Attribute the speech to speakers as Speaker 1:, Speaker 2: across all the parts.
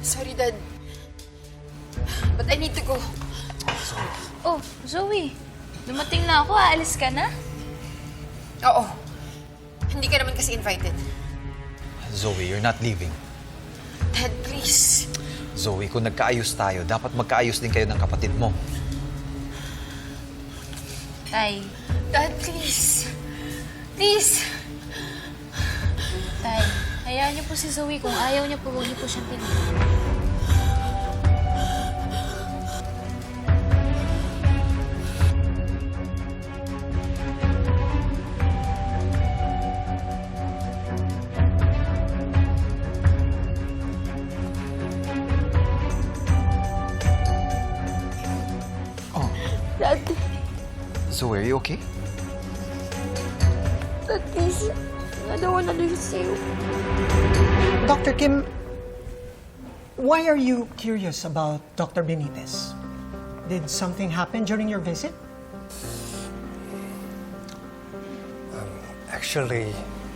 Speaker 1: Sorry, Dad. But I need to go.
Speaker 2: Oh, Zoe. Dumating na ako. Aalis ka na?
Speaker 1: Oo. Hindi ka naman kasi invited.
Speaker 3: Zoe, you're not leaving.
Speaker 1: Dad, please.
Speaker 3: Zoe, kung nagkaayos tayo, dapat magkaayos din kayo ng kapatid mo.
Speaker 2: Tay.
Speaker 1: Dad, please. Please.
Speaker 2: Tay, hayaan niyo po si Zoe. Kung ayaw niya po, huwag niyo po siyang pilitin.
Speaker 1: Dad,
Speaker 3: Zoe, are you okay?
Speaker 1: Dad, please. I don't want to lose you.
Speaker 4: Dr. Kim, why are you curious about Dr. Benitez? Did something happen during your visit?
Speaker 5: Actually,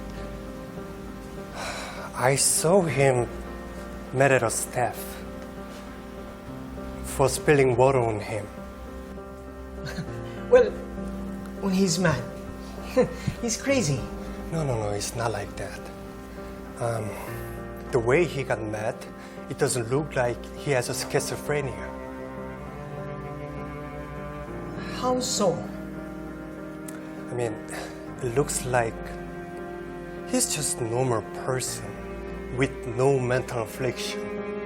Speaker 5: I saw him mad at our staff for spilling water on him.
Speaker 4: Well, when he's mad, he's crazy.
Speaker 5: No, it's not like that. The way he got mad, it doesn't look like he has a schizophrenia.
Speaker 4: How so?
Speaker 5: I mean, it looks like he's just a normal person with no mental affliction.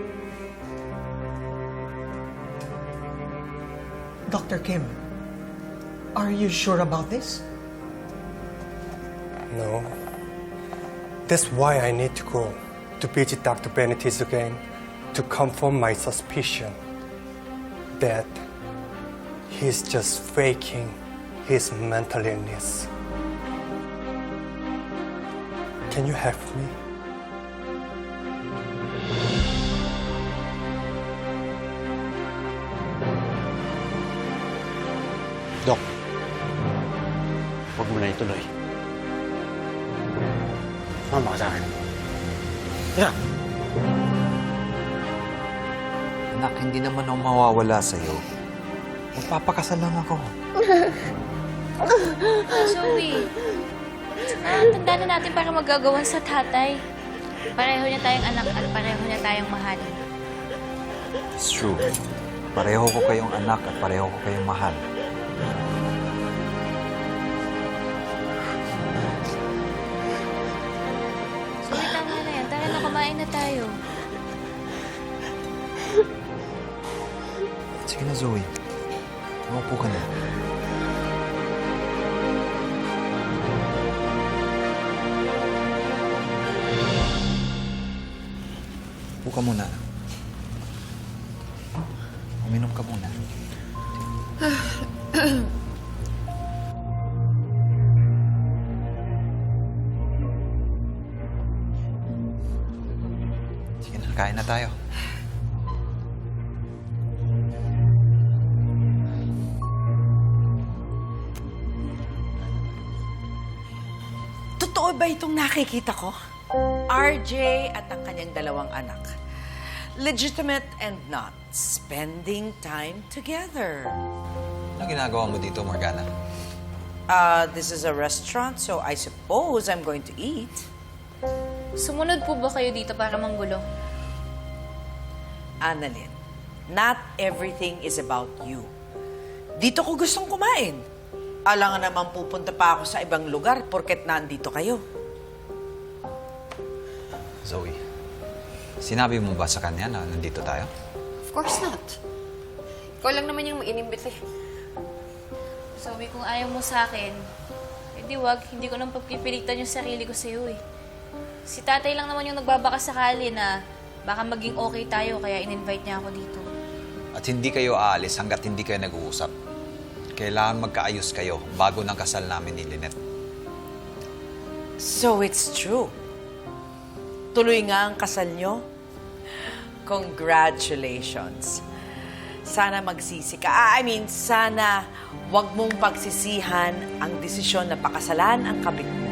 Speaker 4: Dr. Kim, are you sure about this?
Speaker 5: No. That's why I need to go to visit Dr. Benitez again to confirm my suspicion that he's just faking his mental illness. Can you help me?
Speaker 6: Dok, huwag mo na ituloy. Mama ka sa akin. Tira!
Speaker 3: Anak, hindi naman ako mawawala sa'yo. Magpapakasal lang ako.
Speaker 2: Zoe. Tanda na natin para magagawan sa tatay. Pareho niya tayong anak at pareho niya tayong mahal.
Speaker 3: It's true. Pareho ko kayong anak at pareho ko kayong mahal.
Speaker 2: Zoe, tama na yan. Tara na, kumain na tayo.
Speaker 3: Sige na, Zoe. Umupo ka na. Upo ka muna. Uminom ka muna. Sige na, kain na tayo.
Speaker 7: Totoo ba itong nakikita ko? RJ at ang kanyang dalawang anak. Legitimate and not. Spending time together.
Speaker 3: Ano ginagawa mo dito, Morgana?
Speaker 7: This is a restaurant, so I suppose I'm going to eat.
Speaker 2: Sumunod po ba kayo dito para manggulo?
Speaker 7: Annalyn, not everything is about you. Dito ko gustong kumain. Alangan naman pupunta pa ako sa ibang lugar porket nandito kayo.
Speaker 3: Zoe, sinabi mo ba sa kanya na nandito tayo?
Speaker 1: Of course not. Ikaw lang naman yung mag-inimbit eh.
Speaker 2: Zoe, kung ayaw mo sa akin, edi wag, hindi ko nang pagpipilitan yung sarili ko sa'yo eh. Si tatay lang naman yung nagbabaka sakali na baka maging okay tayo kaya in-invite niya ako dito.
Speaker 3: At hindi kayo aalis hanggat hindi kayo nag-uusap. Kailangan magkaayos kayo bago ng kasal namin ni Lynette.
Speaker 7: So it's true. Tuloy nga ang kasal nyo. Congratulations. Sana magsisi ka. Sana wag mong pagsisihan ang desisyon na pakasalan ang kabit mo.